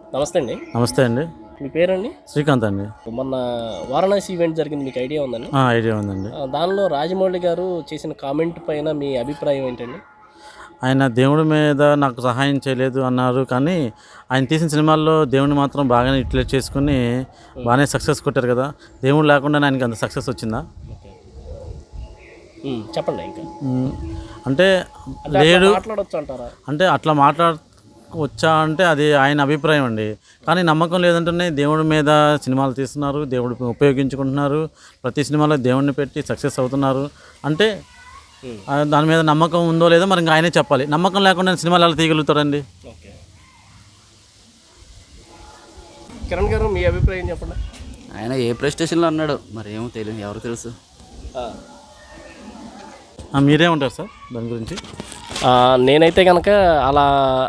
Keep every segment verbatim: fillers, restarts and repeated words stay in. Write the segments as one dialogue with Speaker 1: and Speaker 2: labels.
Speaker 1: నమస్తే అండి.
Speaker 2: నమస్తే అండి.
Speaker 1: మీ పేరండి?
Speaker 2: శ్రీకాంత్ అండి.
Speaker 1: మొన్న వారణాసి ఈవెంట్ జరిగింది, మీకు ఐడియా ఉందండి?
Speaker 2: ఆ, ఐడియా ఉందండి.
Speaker 1: ఆ, దానిలో రాజమౌళి గారు చేసిన కామెంట్ పైన మీ అభిప్రాయం ఏంటండి?
Speaker 2: ఆయన దేవుడి మీద నాకు సహాయం చేయలేదు అన్నారు, కానీ ఆయన తీసిన సినిమాల్లో దేవుడిని మాత్రం బాగానే యూటిలైజ్ చేసుకుని బాగానే సక్సెస్ కొట్టారు కదా. దేవుడు లేకుండా ఆయనకి అంత సక్సెస్ వచ్చిందా?
Speaker 1: ఓకే. ఉమ్, చెప్పండి. ఇంకా
Speaker 2: మ్, అంటే
Speaker 1: అంటే అట్లా
Speaker 2: లేడు
Speaker 1: మాట్లాడొచ్చు అంటారా?
Speaker 2: అంటే అట్లా మాట్లాడవచ్చా అంటే అది ఆయన అభిప్రాయం అండి. కానీ నమ్మకం లేదంటేనే దేవుడి మీద సినిమాలు తీస్తున్నారు, దేవుడు ఉపయోగించుకుంటున్నారు, ప్రతి సినిమాలో దేవుడిని పెట్టి సక్సెస్ అవుతున్నారు అంటే
Speaker 1: ఉమ్,
Speaker 2: ఆ, దాని మీద నమ్మకం ఉందో లేదో మరి ఇంకా ఆయనే చెప్పాలి. నమ్మకం లేకుండా సినిమాలు ఎలా తీయగలుగుతారండి?
Speaker 1: ఓకే. కిరణ్ గారు, మీ అభిప్రాయం చెప్పండి.
Speaker 3: ఆయన ఏ ప్లే స్టేషన్లో అన్నాడు మరి ఏమో తెలియదు, ఎవరు తెలుసు.
Speaker 1: ఆ,
Speaker 2: ఆ, మీరేమంటారు సార్ దాని గురించి?
Speaker 1: ఆ, నేనైతే కనుక అలా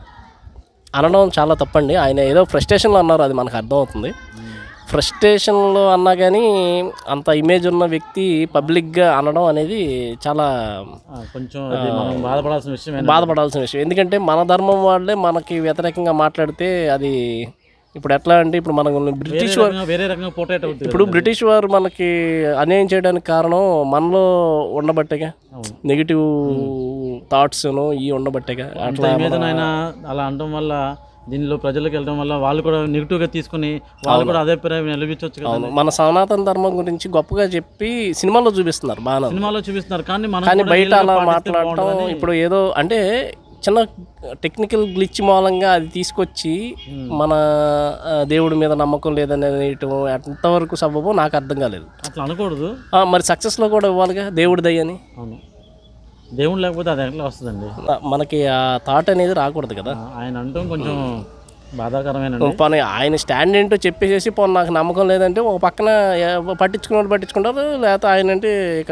Speaker 1: అనడం చాలా తప్పండి. ఆయన ఏదో ఫ్రస్ట్రేషన్లో అన్నారు, అది మనకు అర్థమవుతుంది. ఫ్రస్ట్రేషన్లో అన్నా కానీ అంత ఇమేజ్ ఉన్న వ్యక్తి పబ్లిక్గా అనడం అనేది చాలా
Speaker 2: ఆ, కొంచెం అది మనం బాధపడాల్సిన విషయం.
Speaker 1: బాధపడాల్సిన విషయం. ఎందుకంటే మన ధర్మం వాళ్ళే మనకి వ్యతిరేకంగా మాట్లాడితే అది ఇప్పుడు ఎట్లా అంటే, ఇప్పుడు మనకు బ్రిటిష్ వారు
Speaker 2: వేరే రకంగా పోర్ట్రేట్ అవుతుంది.
Speaker 1: ఇప్పుడు బ్రిటిష్ వారు మనకి అన్యాయం చేయడానికి కారణం మనలో ఉండబట్టేగా, నెగిటివ్ థాట్స్ను ఇవి ఉండబట్టేగా. అట్లా
Speaker 2: ఇమేజ్ ఆయన అలా అనడం వల్ల, దీనిలో ప్రజలకు వెళ్ళడం వల్ల వాళ్ళు కూడా నెగిటివ్గా తీసుకుని వాళ్ళు కూడా అదే అభిప్రాయం నిలబించవచ్చు కదా.
Speaker 1: అవును, మన సనాతన ధర్మం గురించి గొప్పగా చెప్పి సినిమాలో చూపిస్తున్నారు, బాగా
Speaker 2: సినిమాలో చూపిస్తున్నారు, కానీ మనం
Speaker 1: కానీ
Speaker 2: కూడా
Speaker 1: బయట
Speaker 2: రియల్గా
Speaker 1: అలా
Speaker 2: పాటిస్తే
Speaker 1: మాట్లాడటం
Speaker 2: బాగుంటుందని.
Speaker 1: ఇప్పుడు ఏదో అంటే చిన్న టెక్నికల్ గ్లిచ్ మూలంగా అది తీసుకొచ్చి మన ఆ, దేవుడి మీద నమ్మకం లేదని అనేయటం ఎంతవరకు సబబో నాకు అర్థం కాలేదు.
Speaker 2: అట్లా అనకూడదు.
Speaker 1: ఆ, మరి సక్సెస్లో కూడా ఇవ్వాలిగా దేవుడి దయ్యని.
Speaker 2: అవును, దేవుడు లేకపోతే అది ఎట్లా వస్తుందండి?
Speaker 1: ఆ, మనకి ఆ థాట్ అనేది రాకూడదు కదా.
Speaker 2: ఆ, ఆయన అంటాం కొంచెం బాధాకరమైన.
Speaker 1: పోనీ ఆయన స్టాండ్ ఏంటో చెప్పేసేసి పోనీ నాకు నమ్మకం లేదంటే ఒక పక్కన ఏ- పట్టించుకున్న పట్టించుకుంటారు, లేకపోతే ఆయన అంటే ఇక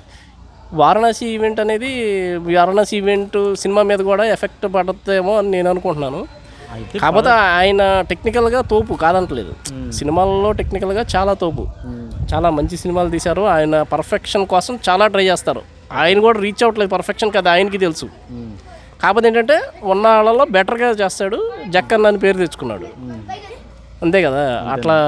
Speaker 1: వారణాసి ఈవెంట్ అనేది వారణాసి ఈవెంట్ సినిమా మీద కూడా ఎఫెక్ట్ పడుతుందేమో అని నేను అనుకుంటున్నాను.
Speaker 2: అయితే
Speaker 1: కాకపోతే ఆయన టెక్నికల్గా తోపు కాదంటలేదు, సినిమాల్లో టెక్నికల్గా చాలా తోపు, చాలా మంచి సినిమాలు తీశారు. ఆయన పర్ఫెక్షన్ కోసం చాలా ట్రై చేస్తారు. ఆయన కూడా రీచ్ అవ్వట్లేదు పర్ఫెక్షన్, కదా ఆయనకి తెలుసు. కాకపోతే ఏంటంటే ఉన్న వాళ్ళలో బెటర్గా చేస్తాడు, జక్కన్న అని పేరు తెచ్చుకున్నాడు, అంతే కదా. అట్లా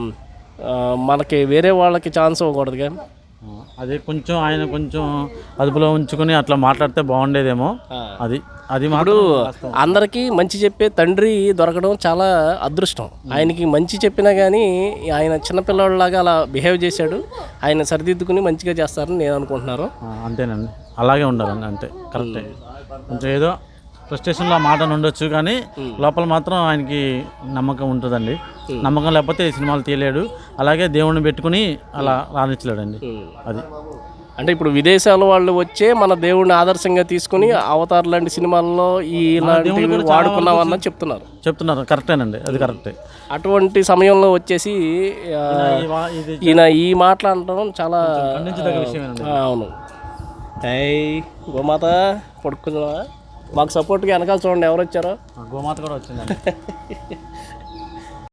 Speaker 1: ఆ, మనకి వేరే వాళ్ళకి ఛాన్స్ ఇవ్వకూడదుగా.
Speaker 2: ఆ, అదే కొంచెం ఆయన కొంచెం అదుపులో ఉంచుకొని అట్లా మాట్లాడితే బాగుండేదేమో. అది అది
Speaker 1: ఇప్పుడు
Speaker 2: మాత్రం
Speaker 1: అందరికీ మంచి చెప్పే తండ్రి దొరకడం చాలా అదృష్టం. ఆయనకి మంచి చెప్పినా కానీ ఆయన చిన్నపిల్లలాగా అలా బిహేవ్ చేశాడు. ఆయన సరిదిద్దుకుని మంచిగా చేస్తారని నేను అనుకుంటున్నాను.
Speaker 2: ఆ, అంతేనండి, అలాగే ఉండాలండి, అంతే కరెక్టే. కొంచెం ఏదో ఫ్రస్ట్రేషన్లో ఆ మాట ఉండొచ్చు, కానీ లోపల మాత్రం ఆయనకి నమ్మకం ఉంటుందండి. నమ్మకం లేకపోతే ఈ సినిమాలు తీయలేడు, అలాగే దేవుడిని పెట్టుకుని అలా రాణించలేడండి. అది
Speaker 1: అంటే ఇప్పుడు విదేశాల వాళ్ళు వచ్చే మన దేవుడిని ఆదర్శంగా తీసుకుని అవతార్ లాంటి సినిమాల్లో ఈ ఇలాంటివి వాడుకున్నామన్న చెప్తున్నారు
Speaker 2: చెప్తున్నారు, కరెక్టేనండి, అది కరెక్టే.
Speaker 1: అటువంటి సమయంలో వచ్చేసి ఆ,
Speaker 2: ఈ వా- ఇది
Speaker 1: ఈయన ఈ మాట్లాడటం చాలా
Speaker 2: ఖండించదగ్గ విషయమేనండి.
Speaker 1: ఆ, అవును. ఏయ్ గోమాత పడుకుందా, మాకు సపోర్ట్గా వెనకాల చూడండి ఎవరు వచ్చారో.
Speaker 2: గోమాత కూడా వచ్చిందండి.